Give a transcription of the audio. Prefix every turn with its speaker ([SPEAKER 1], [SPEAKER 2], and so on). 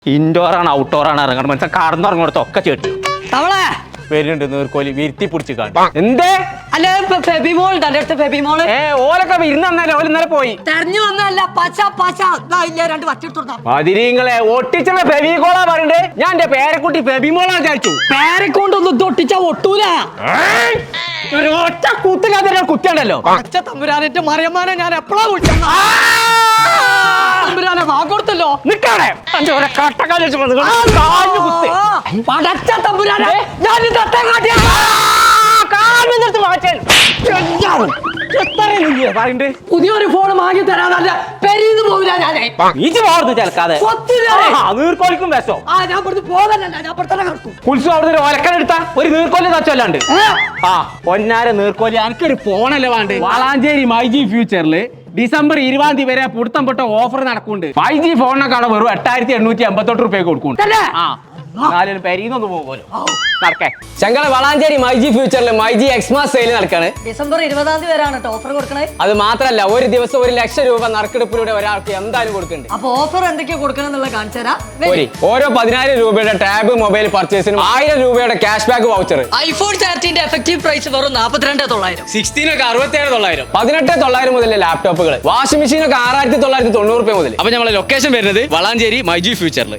[SPEAKER 1] Indoor ആണ് outdoor ആണ് ഇറങ്ങണം മനസ്സിലാ കടന്നിറങ്ങോടത്ത് ഒക്കെ ചേട്ടു
[SPEAKER 2] തവളെ
[SPEAKER 1] വരുന്നുണ്ട് നീർക്കോലി വിരുത്തി പിടിച്ച് കാണും എന്തേ
[SPEAKER 2] അല്ല ഫെബിമോൾ തന്റെ അടുത്ത് ഫെബിമോള്
[SPEAKER 1] ഓലൊക്കെ വിരുന്ന് തന്നാലേ ഓല് ഇന്നലെ പോയി
[SPEAKER 2] തെരഞ്ഞു വന്നല്ല പച്ച പച്ച ഇല്ല രണ്ട് വച്ചെടുത്തോട്ടാ
[SPEAKER 1] മതിരിങ്ങളെ ഒട്ടിച്ചുള്ള ഫെബികോളാ പറയണ്ടേ ഞാൻ എന്റെ പേരക്കുട്ടി ഫെബിമോളാ വിചാരിച്ചു
[SPEAKER 2] പേരെക്കൊണ്ടൊന്നും തൊട്ടിച്ചാ ഒട്ടൂല
[SPEAKER 1] ഒറ്റ കുത്തില്ലാത്ത കുത്തിയുണ്ടല്ലോ
[SPEAKER 2] പച്ച തമ്പുരാനെ മറിയമ്മാനെ ഞാൻ എപ്പോഴാ വിളിച്ചത് തമ്പുരാനെ വാങ്ങോടുത്തല്ലോ
[SPEAKER 1] നിക്കാടെ
[SPEAKER 2] പടച്ച തമ്പുരാനെ ഞാൻ പുതിയൊരു ഫോൺ വാങ്ങി തരാതല്ല പെരീന്ന് പോവില്ല ഞാനേ
[SPEAKER 1] ചേൽക്കാതെ നീർക്കോലിക്കും വിശോ
[SPEAKER 2] ഞാൻ പുറത്ത് പോകല്ല ഞാൻ പുറത്തന്നെ കിടക്കും
[SPEAKER 1] കുൽസു അവിടുന്ന് ഒലക്കനെടുത്ത ഒരു നീർക്കോലി തച്ചല്ലാണ്ട് ആ പൊന്നാര നീർക്കോലി എനിക്കൊരു ഫോണല്ലേ വേണ്ട വളാഞ്ചേരി മൈജി ഫ്യൂച്ചറില് ഡിസംബർ 20 വരെ പുടുത്തം പൊട്ട ഓഫർ നടക്കുന്നുണ്ട് 5G ഫോണിനൊക്കെ വെറും 8888 രൂപ കൊടുക്കുന്നുണ്ട് പെരീന്നൊന്ന് പോകുമല്ലോ നടക്കേ
[SPEAKER 3] ഞങ്ങളെ വളാഞ്ചേരി മൈജി ഫ്യൂച്ചറിൽ മൈജി എക്സ്മാസ് സെയിൽ നടക്കാണ്
[SPEAKER 2] ഡിസംബർ 20 വരെയാണ് ഓഫർ കൊടുക്കണേ
[SPEAKER 3] അത് മാത്രല്ല ഒരു ദിവസം 1 ലക്ഷം രൂപ നറുക്കെടുപ്പിലൂടെ ഒരാൾക്ക് എന്തായാലും കൊടുക്കുന്നുണ്ട്
[SPEAKER 2] അപ്പൊ ഓഫർ എന്തൊക്കെയാ കൊടുക്കണം കാണിച്ചു തരാം
[SPEAKER 3] ഓരോ 10,000 രൂപയുടെ ടാബ് മൊബൈൽ പർച്ചേസിനും 1000 രൂപയുടെ cash back voucher
[SPEAKER 2] iPhone 13 effective price വെറും 42,900
[SPEAKER 3] 16 ഒക്കെ 67,900 18,900 മുതൽ ലാപ്ടോപ്പുകൾ വാഷിംഗ് മെഷീൻ ഒക്കെ 6,990 രൂപ മുതൽ.
[SPEAKER 4] അപ്പൊ നമ്മളെ ലൊക്കേഷൻ വരുന്നത് വളാഞ്ചേരി മൈജി ഫ്യൂച്ചറിൽ.